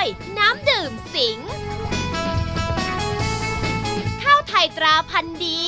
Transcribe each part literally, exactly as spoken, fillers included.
น้ำดื่มสิงห์ข้าวไทยตราพันธุ์ดี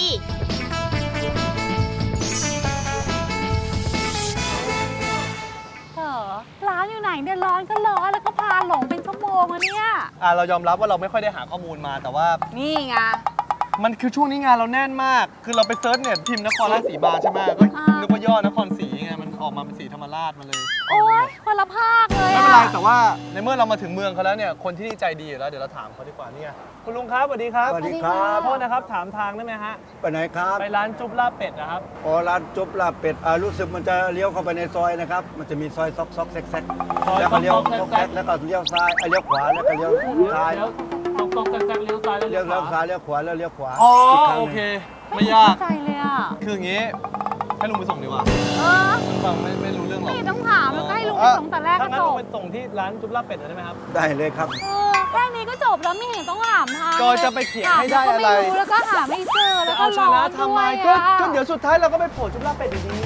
ร้านอยู่ไหนเนี่ยร้อนก็ร้อนแล้วก็พาหลงเป็นชั่วโมงอะเนี่ยอ่าเรายอมรับว่าเราไม่ค่อยได้หาข้อมูลมาแต่ว่านี่ไงมันคือช่วงนี้งานเราแน่นมากคือเราไปเซิร์ชเน็ตพิมพ์นครราชสีมาใช่ไหมก็นึกว่าย่อนครศรีไงมันออกมาเป็นสีธรรมราชมาเลยโอ๊ยคนละภาคเลยไม่เป็นไรแต่ว่าในเมื่อเรามาถึงเมืองเขาแล้วเนี่ยคนที่นี่ใจดีอยู่แล้วเดี๋ยวเราถามเขาดีกว่านี่คุณลุงครับสวัสดีครับสวัสดีครับโทษนะครับถามทางได้ไหมฮะไปไหนครับไปร้านจุ๊บลาบเป็ดนะครับอ๋อร้านจุ๊บลาบเป็ดอ่ารู้สึกมันจะเลี้ยวเข้าไปในซอยนะครับมันจะมีซอยซอกซอกแซกแซกแล้วก็เลี้ยวซอกแซกแล้วก็เลี้ยวซ้ายเลี้ยวขวาแล้วก็เลี้ยวซ้ายตรงตรงแซกๆเลี้ยวซ้ายแล้วเลี้ยวซ้ายเลี้ยวขวาแล้วเลี้ยวขวาอ๋อโอเคไม่ยากใจเลยอ่ะคืออย่างงี้ให้ลุงไปส่งดีกว่าเออฟังไม่ไม่รู้เรื่องหรอกไม่ต้องถามแล้วให้ลุงไปส่งแต่แรกก็จบไปส่งที่ร้านจุ๊บลาบเป็ดได้ไหมครับได้เลยครับเออแค่นี้ก็จบแล้วไม่เห็นต้องถามทางก็จะไปเขียนให้ได้อะไรแล้วก็หาไม่เจอแล้วก็ร้อนทำไมก็ก็เดี๋ยวสุดท้ายเราก็ไปโผล่จุ๊บลาบเป็ดดี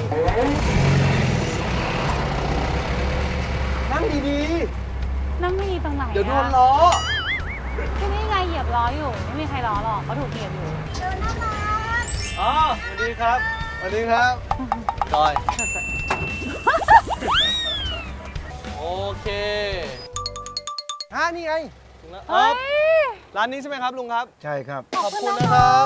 ๆนั่งดีๆนั่งไม่ดีตรงไหนเดี๋ยวโดนล้อที่นี่ไงเหยียบล้ออยู่ไม่มีใครล้อหรอกเขาถูกเหยียบอยู่เจอหน้าร้านอ๋อสวัสดีครับสวัสดีครับจอยโอเคอ่านี่ไงถึงแล้วร้านนี้ใช่ไหมครับลุงครับใช่ครับขอบคุณนะครับ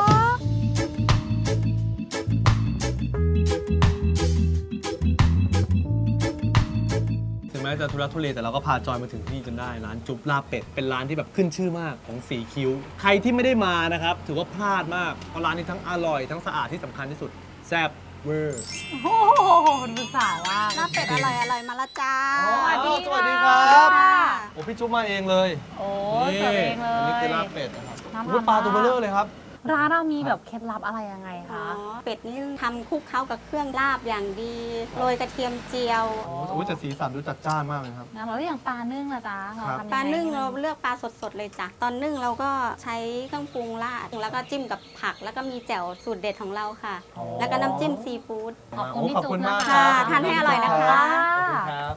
ถึงแม้จะทุรักทุเลแต่เราก็พาจอยมาถึงที่จนได้ร้านจุ๊บลาบเป็ดเป็นร้านที่แบบขึ้นชื่อมากของสีคิ้วใครที่ไม่ได้มานะครับถือว่าพลาดมากเพราะร้านนี้ทั้งอร่อยทั้งสะอาดที่สำคัญที่สุดแซ่บเวอร์โอ้โหดูสาวว่าลาบเป็ดอร่อยอร่อยมาละจ้าสวัสดีครับโอ้พี่จุ๊บมาเองเลยโอ้เสิร์ฟเองเลยอันนี้คือลาบเป็ดนะครับปลาตัวเบลอเลยครับร้านเรามีแบบเคล็ดลับอะไรยังไงคะเป็ดนี่ทำคลุกเข้ากับเครื่องลาบอย่างดีโรยกระเทียมเจียวโอ้แต่สีสันดูจัดจ้านมากเลยครับงั้นเราอย่างปลานึ่งละจ้าปลานึ่งเราเลือกปลาสดๆเลยจ้ะตอนนึ่งเราก็ใช้เครื่องปรุงราดแล้วก็จิ้มกับผักแล้วก็มีแจ่วสูตรเด็ดของเราค่ะแล้วก็น้ำจิ้มซีฟู้ดขอบคุณพี่จุ๊บมากค่ะทานให้อร่อยนะคะขอบคุณครับ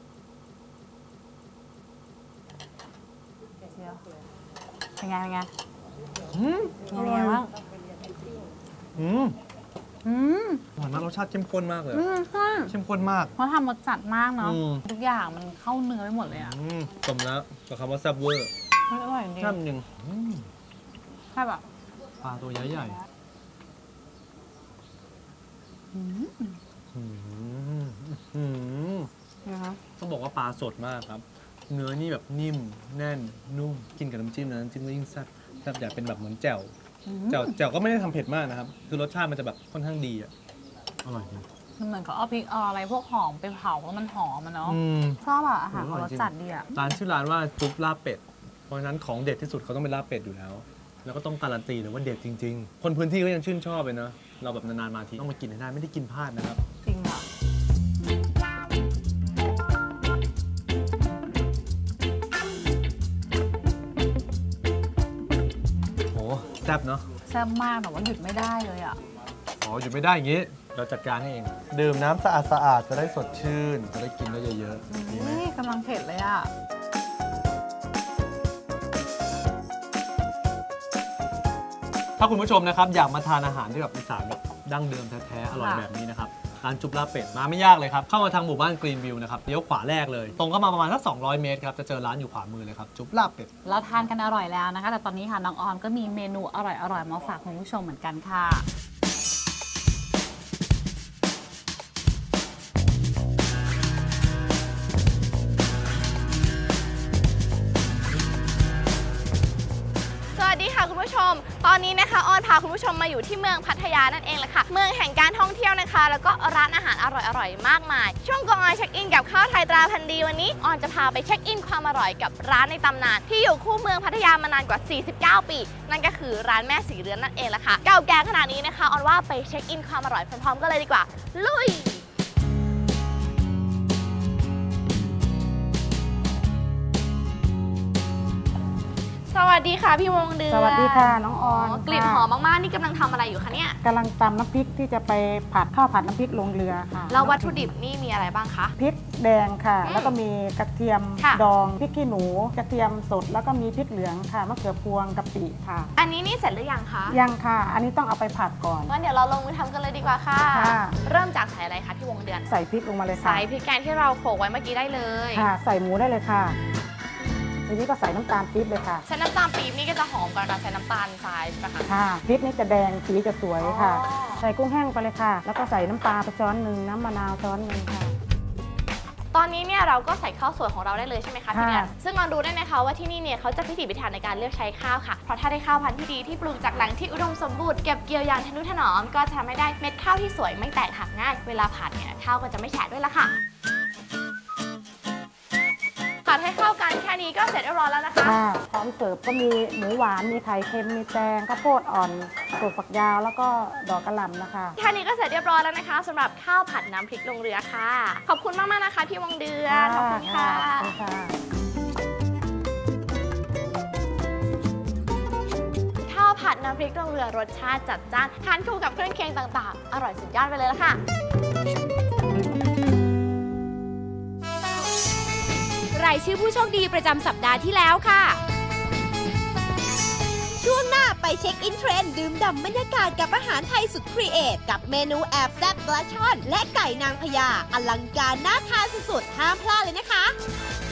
เป็นไงเป็นไงอืมเป็นไงบ้างอืมอืมหวานมากรสชาติเข้มข้นมากเลยอืมใช่เข้มข้นมากเพราะทำรสจัดมากเนาะทุกอย่างมันเข้าเนื้อไปหมดเลยอ่ะสมแล้วกับคำว่าแซ่บเวอร์อร่อยจริงแซ่บจริงใช่แบบปลาตัวใหญ่ใหญ่ต้องบอกว่าปลาสดมากครับเนื้อนี่แบบนิ่มแน่นนุ่มกินกับน้ำจิ้มนะน้ำจิ้มก็ยิ่งแซ่บแซ่บอยากเป็นแบบเหมือนแจ่วแจ่วแจ่วก็ไม่ได้ทำเผ็ดมากนะครับคือรสชาติมันจะแบบค่อนข้างดีอ่ะอร่อยจริงมันเหมือนเขาเอาพริกเอาอะไรพวกหอมไปเผาแล้วมันหอมมันเนาะชอบอะอาหารรสจัดดีอะร้านชื่อร้านว่าจุ๊บลาบเป็ดเพราะฉะนั้นของเด็ดที่สุดเขาต้องเป็นลาบเป็ดอยู่แล้วแล้วก็ต้องการันตีเลยว่าเด็ดจริงๆคนพื้นที่ก็ยังชื่นชอบเลยนะเราแบบนานๆมาทีต้องมากินให้ได้ไม่ได้กินพลาดนะครับจริงอะแซ่บเนาะแซ่บมากแต่ว่าหยุดไม่ได้เลยอ่ะอ๋อหยุดไม่ได้อย่างงี้เราจัดการให้เองดื่มน้ำสะอาดสะอาดจะได้สดชื่นจะได้กินได้เยอะๆนี่กำลังเผ็ดเลยอ่ะถ้าคุณผู้ชมนะครับอยากมาทานอาหารที่แบบอีสานแบบดั้งเดิมแท้ๆอร่อยแบบนี้นะครับร้านจุ๊บลาบเป็ดมาไม่ยากเลยครับเข้ามาทางหมู่บ้านกรีนวิวนะครับเลี้ยวขวาแรกเลยตรงเข้ามาประมาณสักสองร้อยเมตรครับจะเจอร้านอยู่ขวามือเลยครับจุ๊บลาบเป็ดเราทานกันอร่อยแล้วนะคะแต่ตอนนี้ค่ะน้องออนก็มีเมนูอร่อยๆมาฝากคุณผู้ชมเหมือนกันค่ะสวัสดีค่ะคุณผู้ชมตอนนี้นะคะออนพาคุณผู้ชมมาอยู่ที่เมืองพัทยานั่นเองแหละค่ะเมืองแห่งการท่องเที่ยวนะคะแล้วก็ร้านอาหารอร่อยๆมากมายช่วงกองออนเช็คอินกับข้าวไทยตราพันธุ์ดีวันนี้ออนจะพาไปเช็คอินความอร่อยกับร้านในตำนานที่อยู่คู่เมืองพัทยามานานกว่าสี่สิบเก้าปีนั่นก็คือร้านแม่สีเรือนนั่นเองแหละค่ะเก่าแก่ขนาดนี้นะคะออนว่าไปเช็คอินความอร่อยพร้อมๆกันเลยดีกว่าลุยสวัสวัสดีค่ะพี่วงเดือนสวัสดีค่ะน้องออนกลิ่นหอมมากๆนี่กำลังทำอะไรอยู่คะเนี่ยกำลังตำน้ำพริกที่จะไปผัดข้าวผัดน้ำพริกลงเรือค่ะแล้ววัตถุดิบนี่มีอะไรบ้างคะพริกแดงค่ะอืมแล้วก็มีกระเทียมค่ะดองพริกขี้หนูกระเทียมสดแล้วก็มีพริกเหลืองค่ะมะเขือพวงกะปิค่ะอันนี้นี่เสร็จหรือยังคะยังค่ะ อันนี้ต้องเอาไปผัดก่อนงั้นเดี๋ยวเราลงมือทำกันเลยดีกว่าค่ะค่ะเริ่มจากใส่อะไรคะพี่วงเดือนใส่พริกลงมาเลยค่ะใส่พริกแกงที่เราโขลกไว้เมื่อกี้ได้เลยค่ะ ใส่หมูได้เลยค่ะทีนี้ก็ใส่น้ำตาลปี๊บเลยค่ะใช้น้ำตาลปี๊บนี่ก็จะหอมกว่าเราใช้น้ำตาลทรายใช่ไหมคะค่ะพริกนี่จะแดงสีจะสวยค่ะอ๋อใส่กุ้งแห้งไปเลยค่ะ แล้วก็ใส่น้ำปลาไปช้อนหนึ่งน้ำมะนาวช้อนหนึ่งค่ะตอนนี้เนี่ยเราก็ใส่ข้าวสวยของเราได้เลยใช่ไหมคะพี่เดือนค่ะซึ่งเรารู้ได้นะคะว่าที่นี่เนี่ยเขาจะพิถีพิถันในการเลือกใช้ข้าวค่ะ เพราะถ้าได้ข้าวพันธุ์ที่ดีที่ปลูกจากแหล่งที่อุดมสมบูรณ์เก็บเกี่ยวอย่างทนุถนอมก็จะทำให้ได้เม็ดข้าวที่สวยไม่แตกหักง่ายเวลาผัดเนี่ยข้าวก็จะไม่แฉะด้วยละค่ะผัดให้เข้ากันแค่นี้ก็เสร็จเรียบร้อยแล้วนะคะค่ะพร้อมเสิร์ฟก็มีหมูหวาน มีไข่เค็ม มีแตงข้าวโพดอ่อนถั่วฝักยาว แล้วก็ดอกกระหล่ำนะคะแค่นี้ก็เสร็จเรียบร้อยแล้วนะคะสำหรับข้าวผัดน้ำพริกลงเรือค่ะ ขอบคุณมากๆนะคะพี่วงเดือนขอบคุณค่ะขอบคุณค่ะข้าวผัดน้ำพริกลงเรือรสชาติจัดจ้านทานคู่กับเครื่องเคียงต่างๆ อร่อยสุดยอดไปเลยละค่ะรายชื่อผู้โชคดีประจำสัปดาห์ที่แล้วค่ะ ช่วงหน้าไปเช็คอินเทรนด์ดื่มด่ำบรรยากาศกับอาหารไทยสุดครีเอทกับเมนูแอบแซ่บปลาช่อน และไก่นางพญาอลังการน่าทานสุดๆห้ามพลาดเลยนะคะ